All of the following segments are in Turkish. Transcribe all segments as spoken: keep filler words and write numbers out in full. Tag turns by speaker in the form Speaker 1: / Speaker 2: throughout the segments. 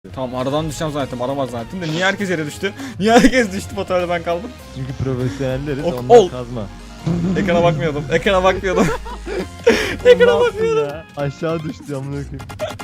Speaker 1: Tamam aradan düşeceğim zannettim, aramaz zannettim de niye herkes yere düştü? Niye herkes düştü, fotoğrafta ben kaldım?
Speaker 2: Çünkü profesyonelleriz,
Speaker 1: Ok,
Speaker 2: onlar
Speaker 1: ol.
Speaker 2: kazma.
Speaker 1: Ekrana bakmıyordum, ekrana bakmıyordum. Ekrana bakmıyordum.
Speaker 2: Ya? Aşağı düştü amına koyayım.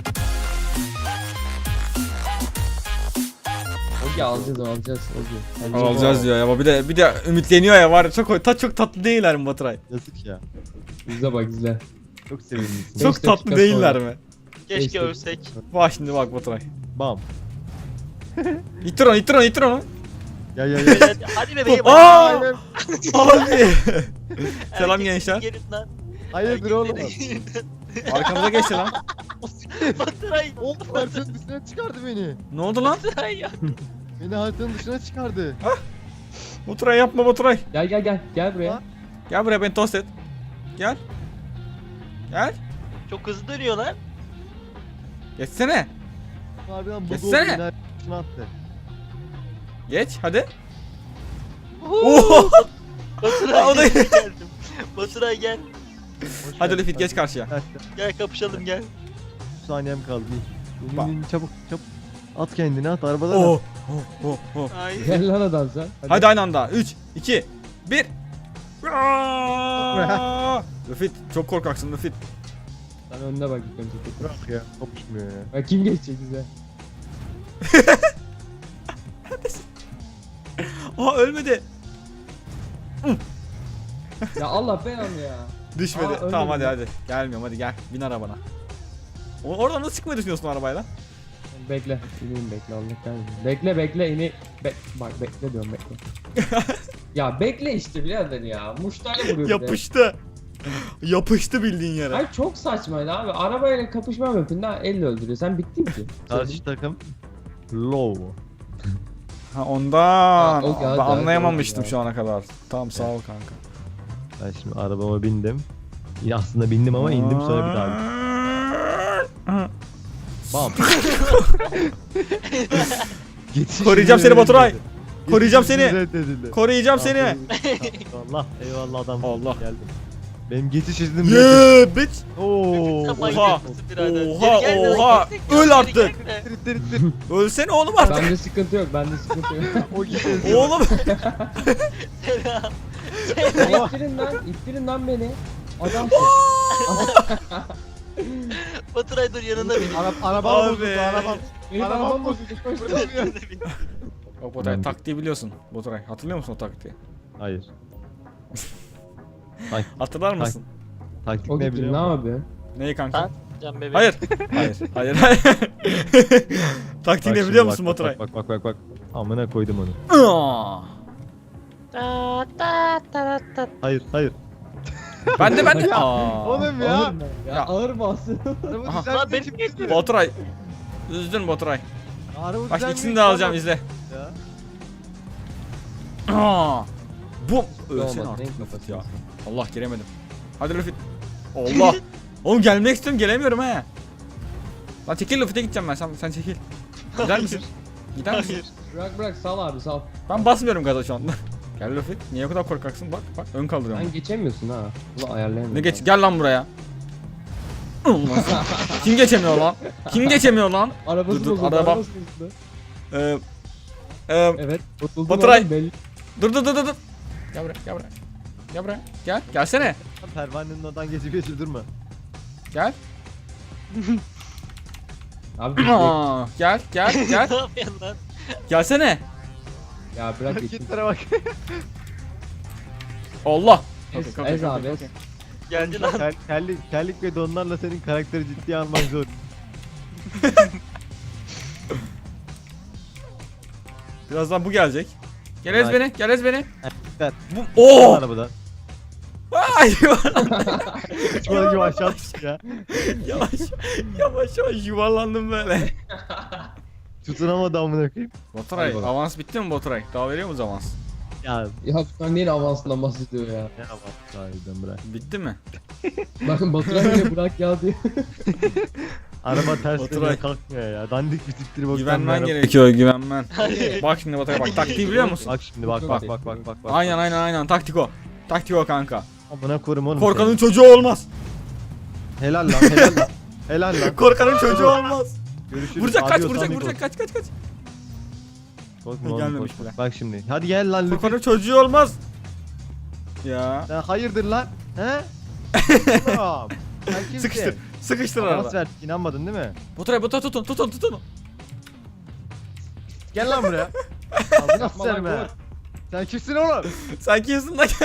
Speaker 3: Ogi alacağız alacağız Ogi. Bence
Speaker 1: Alacağız diyor ya, ama bir de bir de ümitleniyor ya, var ya, çok ta, çok tatlı değiller mi Baturay?
Speaker 2: Yazık ya.
Speaker 3: İzle bak izle.
Speaker 2: Çok sevindim.
Speaker 1: Çok
Speaker 3: Beş
Speaker 1: tatlı
Speaker 3: dakika
Speaker 1: değiller
Speaker 3: sonra.
Speaker 1: mi?
Speaker 4: Keşke
Speaker 3: Neyse.
Speaker 4: ölsek.
Speaker 1: Bak şimdi bak Baturay.
Speaker 2: Bam.
Speaker 1: İttir onu, ittir onu, ittir onu.
Speaker 2: Ya ya ya.
Speaker 4: Beyler, hadi bebeğim.
Speaker 1: Aa!
Speaker 4: hadi.
Speaker 1: Abi. Selam
Speaker 4: Herkes
Speaker 1: gençler.
Speaker 4: gelin lan.
Speaker 2: Hayırdır oğlum?
Speaker 1: Arkamıza geçti lan.
Speaker 4: Baturay.
Speaker 2: Oğlum haritanın dışına çıkardı beni.
Speaker 1: Ne oldu lan?
Speaker 4: Baturay ya.
Speaker 2: Beni haritanın dışına çıkardı.
Speaker 1: Baturay yapma Baturay.
Speaker 3: Gel gel gel gel buraya.
Speaker 2: Ha?
Speaker 1: Gel buraya, beni tost et. Gel. Gel.
Speaker 4: Çok hızlı dönüyor lan.
Speaker 1: Geçsene.
Speaker 2: Harbiden bu
Speaker 1: Geçsene.
Speaker 2: gol beni haritanın dışına attı.
Speaker 1: Geç hadi.
Speaker 4: Uhu. Baturay
Speaker 1: O da-
Speaker 4: gel, geldim. Baturay gel.
Speaker 2: Hoş
Speaker 1: Hadi
Speaker 2: geldin
Speaker 1: Lüfit geç
Speaker 2: kardeşim.
Speaker 1: karşıya.
Speaker 4: Gel kapışalım gel.
Speaker 2: üç saniyem kaldı. İn,
Speaker 1: Bak.
Speaker 2: in, in, çabuk çabuk. At kendini at arabadan
Speaker 1: Oh.
Speaker 2: at.
Speaker 1: Oh oh oh.
Speaker 4: Ay.
Speaker 3: Gel lan adam sen.
Speaker 1: Hadi aynı anda. üç, iki, bir. Lüfit çok korkaksın Lüfit.
Speaker 3: Sen önüne bak ilk önce.
Speaker 2: Bırak ya. Kapışmıyor ya.
Speaker 3: Bak kim geçecek bize?
Speaker 1: Aa ölmedi.
Speaker 3: Ya Allah belanı ya.
Speaker 1: Düşmedi.
Speaker 3: Aa, ölmedi
Speaker 1: tamam hadi
Speaker 3: mi?
Speaker 1: hadi. Gelmiyorum hadi gel. Bin arabana. O oradan nasıl çıkmayı düşünüyorsun arabayla?
Speaker 3: Bekle. İneyim bekle Allah kahretsin. Bekle bekle ini. Be bak bekle diyorum bekle. Ya bekle işte birader ya. Muştayla vuruyor bir de.
Speaker 1: Yapıştı. Yapıştı bildiğin yere.
Speaker 3: Ay çok saçmaydı abi. Arabayla kapışma mümkün daha elle öldürüyor. Sen bittin ki.
Speaker 2: Karşı takım low.
Speaker 1: Ha ondan.
Speaker 3: Ha, o geldi,
Speaker 1: ben
Speaker 3: hadi,
Speaker 1: anlayamamıştım
Speaker 3: hadi.
Speaker 1: şu ana kadar. Tamam sağ ol kanka.
Speaker 2: Ben şimdi arabama bindim. Ya aslında bindim ama indim sonra bir daha bindim. Bam. Geçiş
Speaker 1: Koruyacağım
Speaker 2: izni
Speaker 1: seni Baturay.
Speaker 2: reddedildi.
Speaker 1: Koruyacağım
Speaker 2: Geçiş
Speaker 1: seni.
Speaker 2: izni reddedildi.
Speaker 1: Koruyacağım seni.
Speaker 2: Allah eyvallah adam.
Speaker 1: Allah.
Speaker 2: Geldim. Benim geçiş iznim reddedildi.
Speaker 1: Yeah bitch.
Speaker 2: Oo.
Speaker 4: Sen
Speaker 1: Oha.
Speaker 4: manyak mısın birader?
Speaker 1: Oha,
Speaker 4: Geri gel,
Speaker 1: oha.
Speaker 4: geri
Speaker 1: Öl
Speaker 4: gel,
Speaker 1: artık.
Speaker 4: geri gel.
Speaker 2: İttir ittir ittir.
Speaker 1: Ölsene oğlum artık.
Speaker 3: Bende sıkıntı yok. Bende sıkıntı yok.
Speaker 2: O gidiyor.
Speaker 1: Oğlum.
Speaker 4: Selam.
Speaker 3: ittirin lan. ittirin lan beni. Adam.
Speaker 4: Baturay dur yanında benim.
Speaker 2: Arab arabam
Speaker 1: Abi.
Speaker 2: bozuldu arabam.
Speaker 3: Benim
Speaker 2: Arabam
Speaker 3: arabam
Speaker 2: bozuldu.
Speaker 3: bozuldu. Koş.
Speaker 4: Burada yanında benim.
Speaker 1: Bak Baturay taktiği biliyorsun. Baturay hatırlıyor musun o taktiği?
Speaker 2: Hayır.
Speaker 1: Hatırlar mısın?
Speaker 2: Taktik
Speaker 3: O
Speaker 2: ne
Speaker 3: gitti
Speaker 2: biliyor
Speaker 1: şey
Speaker 3: ne
Speaker 2: musun?
Speaker 3: yapıyor?
Speaker 1: Neyi kanka?
Speaker 4: Ha? Can bebeğim.
Speaker 1: Hayır. Hayır. Hayır. Hayır. Taktiği
Speaker 2: Bak
Speaker 1: ne
Speaker 2: şimdi
Speaker 1: biliyor
Speaker 2: bak,
Speaker 1: musun
Speaker 2: bak,
Speaker 1: Baturay?
Speaker 2: Bak bak bak bak. Amına koydum onu.
Speaker 1: Aa!
Speaker 4: Ta ta ta ta.
Speaker 2: Hayır hayır.
Speaker 1: Ben de ben de.
Speaker 2: Ya,
Speaker 1: Aa.
Speaker 2: Oğlum ya.
Speaker 3: Ağır mı? Ya,
Speaker 1: Ya.
Speaker 3: ağır bastı.
Speaker 2: Araba
Speaker 1: Aha.
Speaker 2: düzeltmek
Speaker 4: Lan benim
Speaker 2: için
Speaker 4: geçti.
Speaker 2: gitti.
Speaker 1: Baturay. Üzdün Baturay.
Speaker 2: Araba
Speaker 1: Bak
Speaker 2: düzeltmek
Speaker 1: ikisini
Speaker 2: için
Speaker 1: de alacağım
Speaker 2: adam-
Speaker 1: izle.
Speaker 2: Ya.
Speaker 1: Aa. Bu ölsene
Speaker 3: Olmaz,
Speaker 1: artık
Speaker 3: renk
Speaker 1: Lüfit ya.
Speaker 3: kafası.
Speaker 1: Allah giremedim. Hadi Lüfit. Allah. Oğlum gelmek istiyorum, gelemiyorum he. Lan çekil, Lüfit'e gideceğim ben. Sen sen çekil. Gider misin? Gider misin?
Speaker 4: Hayır.
Speaker 3: Bırak bırak sal abi sal.
Speaker 1: Ben basmıyorum gaza şu anda. Gel Lüfit. Niye o kadar korkaksın? Bak bak ön kaldırıyorum.
Speaker 3: Sen geçemiyorsun ha. Ulan ayarlayamıyorum.
Speaker 1: Ne geç? Gel lan buraya. Allah. Kim geçemiyor lan? Kim geçemiyor lan?
Speaker 3: Arabası
Speaker 1: Dur, dur,
Speaker 3: bozuldu.
Speaker 1: arabam.
Speaker 3: Arabası bozuldu.
Speaker 1: Ee, e,
Speaker 3: Evet. Bozuldu.
Speaker 1: Baturay.
Speaker 3: oğlum, belli.
Speaker 1: dur dur dur dur. dur. Gel buraya, gel buraya. Gel buraya. Gel. Gelsene.
Speaker 2: Pervanenin oradan geçip geçip durma.
Speaker 1: Gel.
Speaker 3: Abi bir
Speaker 1: Aa, gel, gel, gel.
Speaker 4: Ne yapıyorsun lan?
Speaker 1: Gelsene.
Speaker 3: Ya bırak geçin.
Speaker 2: Hareketlere bak.
Speaker 1: Allah.
Speaker 3: Ez,
Speaker 1: Okey, okey,
Speaker 3: ez
Speaker 1: okey,
Speaker 3: abi ez.
Speaker 1: okey.
Speaker 4: Geldi lan.
Speaker 2: Kel, kellik, kellik ve donlarla senin karakteri ciddiye almak zor.
Speaker 1: Birazdan bu gelecek. Gel ez
Speaker 2: Vay.
Speaker 1: beni, gel ez beni.
Speaker 2: Ver.
Speaker 1: Bu Oo!
Speaker 2: Arabadan.
Speaker 1: Ay,
Speaker 2: Uçmalı gibi aşağı düştü ya.
Speaker 1: yavaş, yavaş yavaş yuvarlandım böyle.
Speaker 2: Tutunamadı amına koyayım.
Speaker 1: Baturay,
Speaker 3: Hadi bakalım.
Speaker 1: avans bitti mi Baturay? Daha veriyor muyuz avans?
Speaker 2: Ya
Speaker 3: Ya sen neyin avansından bahsediyor ya.
Speaker 2: ne yapalım sahiden bırak.
Speaker 1: Bitti mi?
Speaker 3: Bakın Baturay bile bırak ya diyor.
Speaker 2: Araba ters
Speaker 1: Oturay.
Speaker 2: dönüyor kalkmıyor ya. Dandik bir tiptir bak.
Speaker 1: Güvenmen gerekiyor, güvenmen.
Speaker 4: Hadi.
Speaker 1: Bak şimdi Baturay bak, taktiği biliyor musun?
Speaker 2: Bak şimdi bak bak bak bak bak. bak.
Speaker 1: Aynen aynen aynen, taktik o. Taktik o kanka.
Speaker 2: Amına korum oğlum.
Speaker 1: Korkanın çocuğu olmaz.
Speaker 2: seni. Helal lan helal lan. Helal lan.
Speaker 1: Korkanın çocuğu olmaz.
Speaker 2: Görüşürüz.
Speaker 1: Vuracak kaç
Speaker 2: Adios,
Speaker 1: vuracak
Speaker 2: amigos.
Speaker 1: vuracak kaç kaç kaç.
Speaker 2: Korkma oğlum,
Speaker 1: Gelmemiş
Speaker 2: korkma.
Speaker 1: bile.
Speaker 2: Bak şimdi. Hadi gel lan Luffy.
Speaker 1: Furkan'ın çocuğu olmaz. Ya.
Speaker 2: Sen hayırdır lan? He? Oğlum. Sen kimsin?
Speaker 1: Sıkıştır. Sıkıştır
Speaker 2: Avans
Speaker 1: arada.
Speaker 2: verdik, inanmadın değil mi?
Speaker 1: Baturay Baturay tutun tutun tutun.
Speaker 2: Gel lan buraya. Ağzına
Speaker 3: Yapma lan,
Speaker 2: sıçarım
Speaker 3: vur.
Speaker 2: ha. Sen kimsin oğlum?
Speaker 1: Sen kimsin lan?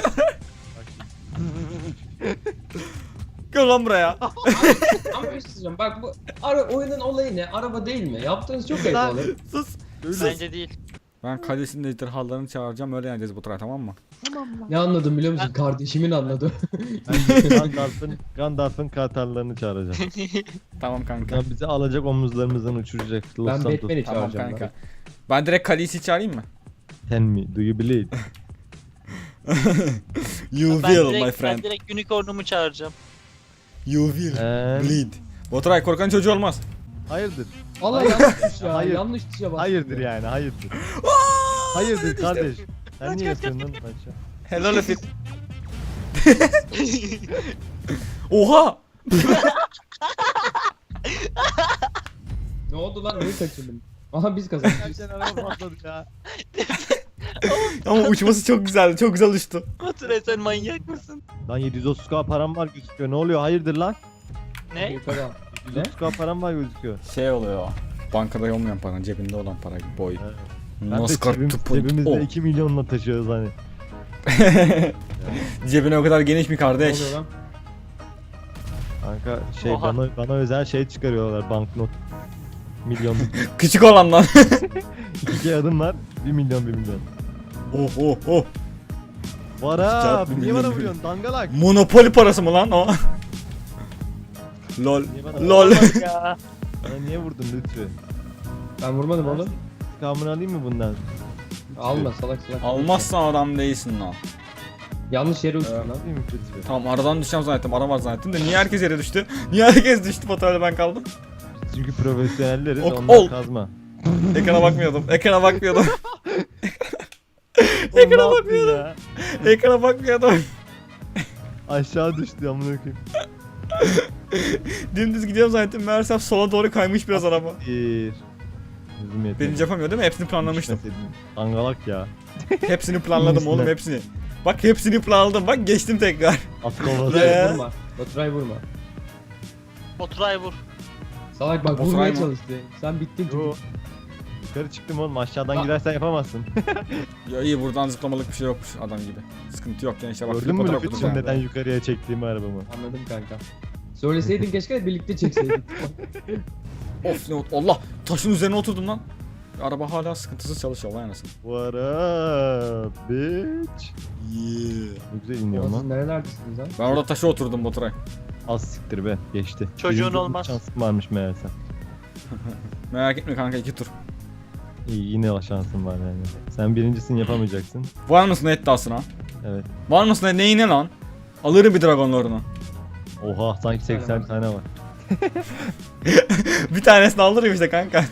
Speaker 1: Gel lan buraya.
Speaker 3: Ama bir şey söyleyeceğim. Bak bu ara oyunun olayı ne? Araba değil mi? Yaptığınız çok ayıp
Speaker 2: Lan.
Speaker 3: olur.
Speaker 1: Sus.
Speaker 4: Bence değil.
Speaker 1: Ben kalesinin ejderhalarını çağıracağım öyle yeneceğiz Baturay tamam mı?
Speaker 3: Ne anladım biliyor musun? Kardeşimin anladı.
Speaker 2: Ben Gandalf'ın Gandalf'ın kartallarını çağıracağım.
Speaker 1: Tamam kanka.
Speaker 2: Lan bizi alacak omuzlarımızdan uçuracak. Los
Speaker 3: Ben
Speaker 2: Santos.
Speaker 3: Batman'i
Speaker 1: Tamam
Speaker 3: çağıracağım.
Speaker 1: kanka.
Speaker 3: Ben.
Speaker 1: Ben direkt Khaleesi'yi çağırayım mı?
Speaker 2: Tell me, do you believe?
Speaker 1: You
Speaker 4: Ben
Speaker 1: will my
Speaker 4: direkt, ben
Speaker 1: friend.
Speaker 4: direkt unicornumu çağıracağım.
Speaker 1: You will
Speaker 2: And...
Speaker 1: bleed. Baturay korkan çocuğu olmaz.
Speaker 2: Hayırdır?
Speaker 3: Allah yanlış tuş ya.
Speaker 2: Hayır.
Speaker 3: Yanlış tuşa bastım.
Speaker 2: Hayırdır yani, hayırdır. Hayırdır kardeş. Sen niye yapıyorsun lan aşağı?
Speaker 1: Helal Efit. Oha!
Speaker 3: Ne oldu lan? Neyi kaçırdım? Aha biz kazandık.
Speaker 2: Gerçekten araba patladı ya.
Speaker 1: Ama uçması çok güzeldi. Çok güzel uçtu.
Speaker 4: Baturay sen manyak mısın?
Speaker 2: Lan yedi yüz otuz k param var gözüküyor. Ne oluyor? Hayırdır lan?
Speaker 4: Ne?
Speaker 3: Yukarı al.
Speaker 2: yedi yüz otuz k param var gözüküyor.
Speaker 1: Şey oluyor. Bankada olmayan paran cebinde olan para boy.
Speaker 2: Evet. Ben de
Speaker 1: Nascar
Speaker 2: cebim,
Speaker 1: to put-
Speaker 2: cebimizde
Speaker 1: Oh.
Speaker 2: iki milyonla taşıyoruz hani.
Speaker 1: Cebine o kadar geniş mi
Speaker 3: Ne
Speaker 1: kardeş?
Speaker 3: oluyor lan?
Speaker 2: Kanka şey
Speaker 4: Oha.
Speaker 2: bana bana özel şey çıkarıyorlar banknot. Milyonluk.
Speaker 1: Küçük olan lan.
Speaker 2: İki adım var. Bir milyon bir milyon.
Speaker 1: oh oh oh.
Speaker 2: Vara
Speaker 1: Cevap bir
Speaker 2: niye bana
Speaker 1: milyon.
Speaker 2: vuruyorsun dangalak?
Speaker 1: Monopoly parası mı lan o? Lol.
Speaker 2: Niye bana,
Speaker 1: Lol.
Speaker 4: Ya.
Speaker 2: bana niye vurdun lütfen?
Speaker 3: Ben vurmadım oğlum.
Speaker 2: Kamını alayım mı bundan?
Speaker 3: Alma salak salak.
Speaker 1: Almazsan adam değilsin lan.
Speaker 3: Yanlış yere uçtun lan.
Speaker 2: Alayım mı lütfen?
Speaker 1: Tamam aradan düşeceğim zannettim. Ara var zannettim de niye herkes yere düştü? Niye herkes düştü Batuay'la ben kaldım?
Speaker 2: Çünkü profesyonelleriz
Speaker 1: Ok,
Speaker 2: onlar
Speaker 1: ol.
Speaker 2: kazma.
Speaker 1: Ekrana bakmıyordum. Ekrana bakmıyordum.
Speaker 2: Oğlum, ne
Speaker 1: Ekrana
Speaker 2: yaptın
Speaker 1: bakmıyordum.
Speaker 2: ya?
Speaker 1: Ekrana bakmıyordum.
Speaker 2: Aşağı düştü amına koyayım.
Speaker 1: Dümdüz gidiyorum zannettim. Meğersem sola doğru kaymış biraz araba.
Speaker 2: Bir. Hızım yetmedi.
Speaker 1: Birinci yapamıyor değil mi? Hepsini planlamıştım.
Speaker 2: Düşmeseydin. Dangalak ya.
Speaker 1: Hepsini planladım oğlum
Speaker 2: İyisinden.
Speaker 1: hepsini. Bak hepsini planladım. Bak geçtim tekrar.
Speaker 2: At kovaladı.
Speaker 1: Ya.
Speaker 3: Baturay vurma. Baturay vurma.
Speaker 4: Baturay vur.
Speaker 3: Salak bak
Speaker 1: Baturay
Speaker 3: vurmaya
Speaker 1: mı?
Speaker 3: çalıştı. Sen bittin çünkü.
Speaker 2: Yo. Yukarı çıktım oğlum aşağıdan
Speaker 3: Aa.
Speaker 2: gidersen yapamazsın.
Speaker 1: Ya iyi buradan zıplamalık bir şey yokmuş adam gibi. Sıkıntı yok gençler bak.
Speaker 2: Gördün mü
Speaker 1: fotoğraf
Speaker 2: Lütfü'cüğüm
Speaker 1: atacağım.
Speaker 2: neden yukarıya çektiğimi arabamı?
Speaker 3: Anladım kanka. Söyleseydin keşke birlikte çekseydik.
Speaker 1: Of ne oldu? Allah taşın üzerine oturdum lan. Araba hala sıkıntısız çalışıyor vay anasını.
Speaker 2: What up bitch?
Speaker 1: Yeah.
Speaker 2: Ne güzel iniyor
Speaker 3: Siz
Speaker 2: lan.
Speaker 3: nerelerdesiniz lan?
Speaker 1: Ben orada taşa oturdum Baturay.
Speaker 2: Az siktir be geçti.
Speaker 4: Çocuğun
Speaker 2: Birinci
Speaker 4: olmaz.
Speaker 2: Şansım varmış meğerse.
Speaker 1: Merak etme kanka iki tur.
Speaker 2: İyi yine o şansım var yani. Sen birincisini yapamayacaksın.
Speaker 1: Var mısın iddiasına?
Speaker 2: Evet.
Speaker 1: Var mısın neyine lan? Alırım bir dragonlarını.
Speaker 2: Oha sanki seksen tane var.
Speaker 1: Bir tanesini alırım işte kanka.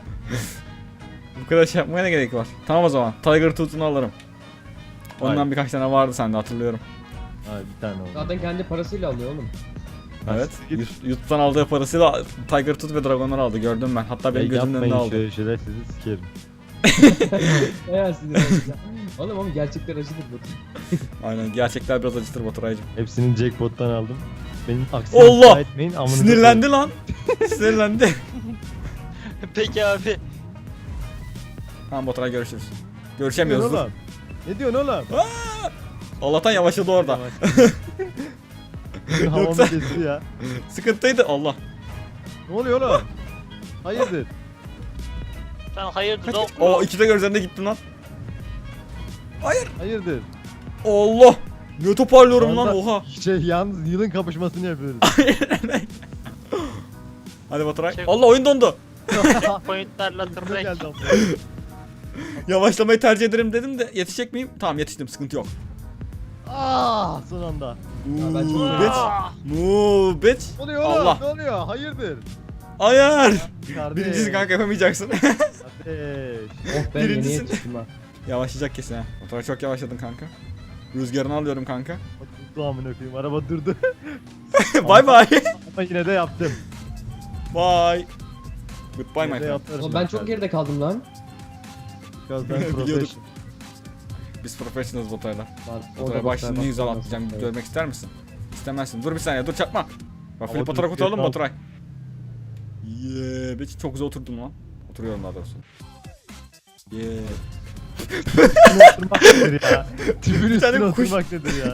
Speaker 1: Bu kadar şey yapmaya ne gerek var? Tamam o zaman. Tiger Tooth'unu alırım. Ondan
Speaker 2: Hayır.
Speaker 1: birkaç tane vardı sende hatırlıyorum.
Speaker 2: Ha bir tane oldu.
Speaker 3: Zaten kendi parasıyla alıyor oğlum.
Speaker 1: Evet.
Speaker 2: Git.
Speaker 1: Yut- Yut'tan aldığı parasıyla Tiger Tooth ve dragonları aldı. Gördüm ben. Hatta benim
Speaker 2: Ya
Speaker 1: gözümün önünde
Speaker 2: yapmayın
Speaker 1: aldı.
Speaker 2: şöyle şeyler sizi sikerim.
Speaker 3: Bayağı sinir olacak. Oğlum ama gerçekler acıdır bu.
Speaker 1: Aynen. Gerçekler biraz acıtır Baturay'cım.
Speaker 2: Hepsini jackpot'tan aldım. Benim aksini
Speaker 1: Allah!
Speaker 2: iddia etmeyin. amınıza
Speaker 1: Sinirlendi lan. Sinirlendi.
Speaker 4: Peki abi.
Speaker 1: Tamam Baturay görüşürüz.
Speaker 2: koyayım.
Speaker 1: Görüşemiyoruz.
Speaker 2: Ne
Speaker 1: dur.
Speaker 2: diyorsun oğlum? Ne diyorsun oğlum?
Speaker 1: Allah'tan yavaşladı orada.
Speaker 2: Havamı
Speaker 1: Yoksa-
Speaker 2: kesti ya.
Speaker 1: Sıkıntıydı. Allah.
Speaker 2: Ne oluyor oğlum? Hayırdır?
Speaker 4: Sen hayırdır oğlum.
Speaker 1: O ikide gözlerinde gittin lan.
Speaker 2: Hayırdır?
Speaker 1: Allah. Ne toparlıyorum
Speaker 2: Şu
Speaker 1: lan
Speaker 2: anda
Speaker 1: oha.
Speaker 2: Şey yalnız yılın kapışmasını yapıyoruz.
Speaker 1: Hadi Baturay.
Speaker 4: Şey-
Speaker 1: Allah oyun dondu.
Speaker 4: Pointlerle
Speaker 2: Ne
Speaker 4: tırnak.
Speaker 2: geldi ama?
Speaker 1: Yavaşlamayı tercih ederim dedim de yetişecek miyim? Tamam yetiştim sıkıntı yok.
Speaker 2: Ah son anda.
Speaker 3: ben çok
Speaker 1: Ooh,
Speaker 3: üzüldüm.
Speaker 1: bitch.
Speaker 4: Aa!
Speaker 2: Ne
Speaker 1: Move bitch.
Speaker 2: oluyor oğlum?
Speaker 1: Allah.
Speaker 2: Ne oluyor? Hayırdır?
Speaker 1: Ayar.
Speaker 2: Kardeş.
Speaker 1: Birincisi kanka yapamayacaksın.
Speaker 2: Kardeş.
Speaker 3: Oh ben
Speaker 1: Birincisi-
Speaker 3: yeni yetiştim ha.
Speaker 1: Yavaşlayacak kesin ha. Baturay çok yavaşladın kanka. Rüzgarını alıyorum kanka.
Speaker 2: Durdu amına koyayım. Araba durdu.
Speaker 1: Bye bye.
Speaker 2: Ama yine de yaptım.
Speaker 1: Bye. Goodbye my
Speaker 2: Ne
Speaker 1: friend.
Speaker 2: yaparız
Speaker 3: Oğlum ben
Speaker 2: bak
Speaker 3: çok
Speaker 2: abi.
Speaker 3: geride kaldım lan.
Speaker 2: Because ben
Speaker 1: Biliyordum.
Speaker 2: professional.
Speaker 1: Biz professionals Baturay'la.
Speaker 3: Lan,
Speaker 1: Baturay'a bak şimdi ne güzel
Speaker 3: bak-
Speaker 1: atlayacağım.
Speaker 3: Evet.
Speaker 1: Görmek ister misin? İstemezsin. Dur bir saniye dur çakma. Bak
Speaker 2: Ama
Speaker 1: Filip
Speaker 2: dur,
Speaker 1: Baturay kurtaralım mı
Speaker 2: Filip
Speaker 1: Baturay? Yeee. Yeah, çok güzel oturdum lan. Oturuyorum daha doğrusu. Yeee.
Speaker 2: Üstüne oturmak nedir ya? Tüpün
Speaker 1: Bir tane
Speaker 2: üstüne
Speaker 1: kuş-
Speaker 2: oturmak nedir ya?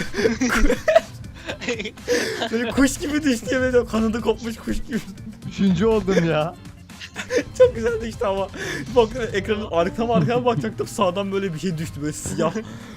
Speaker 1: Böyle kuş gibi düştü ya böyle kanadı kopmuş kuş gibi.
Speaker 2: Üçüncü oldum ya.
Speaker 1: Çok güzel düştü ama. Bak ekranın arkama arkama bakacaktım sağdan böyle bir şey düştü böyle siyah.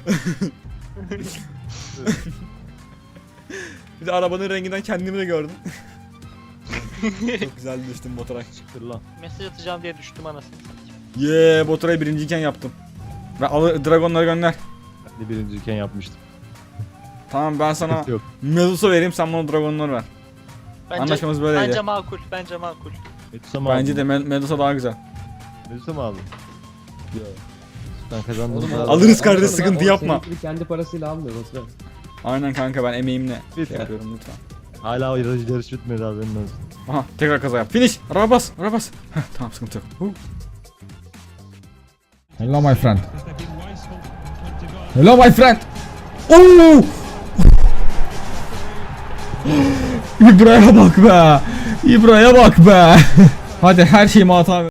Speaker 1: Bir de arabanın renginden kendimi de gördüm. Çok güzel düştüm Baturay.
Speaker 2: Çıktır lan.
Speaker 4: Mesaj atacağım diye düştüm anasını satayım.
Speaker 1: Yeee Baturay'ı birinciyken yaptım. Ve al dragonları gönder.
Speaker 2: Ben de birinciyken yapmıştım.
Speaker 1: Tamam ben sana
Speaker 2: Yok.
Speaker 1: Medusa vereyim sen bana dragonları ver.
Speaker 4: Bence,
Speaker 1: Anlaşmamız böyleydi.
Speaker 4: Bence makul, bence makul.
Speaker 2: Medusa mı
Speaker 1: Bence
Speaker 2: aldın?
Speaker 1: de Me- Medusa daha güzel.
Speaker 2: Medusa mı aldın? Yok. Ben kazandım.
Speaker 3: Oğlum,
Speaker 2: daha-
Speaker 1: Alırız kardeş,
Speaker 3: Alırım
Speaker 1: sıkıntı
Speaker 3: lan, o
Speaker 1: yapma.
Speaker 3: senin gibi kendi parasıyla almıyor Baturay.
Speaker 1: Aynen kanka ben emeğimle
Speaker 2: Bir
Speaker 1: şey
Speaker 2: tane.
Speaker 1: yapıyorum lütfen.
Speaker 2: Hala yarış, yarış bitmedi haberin olsun.
Speaker 1: Aha tekrar kaza yap. Finish. Araba bas. Araba bas. Heh, tamam sıkıntı yok. Huh. Hello my friend. Hello my friend. Oo! İbra'ya bak be. İbra'ya bak be. Hadi her şeyimi hata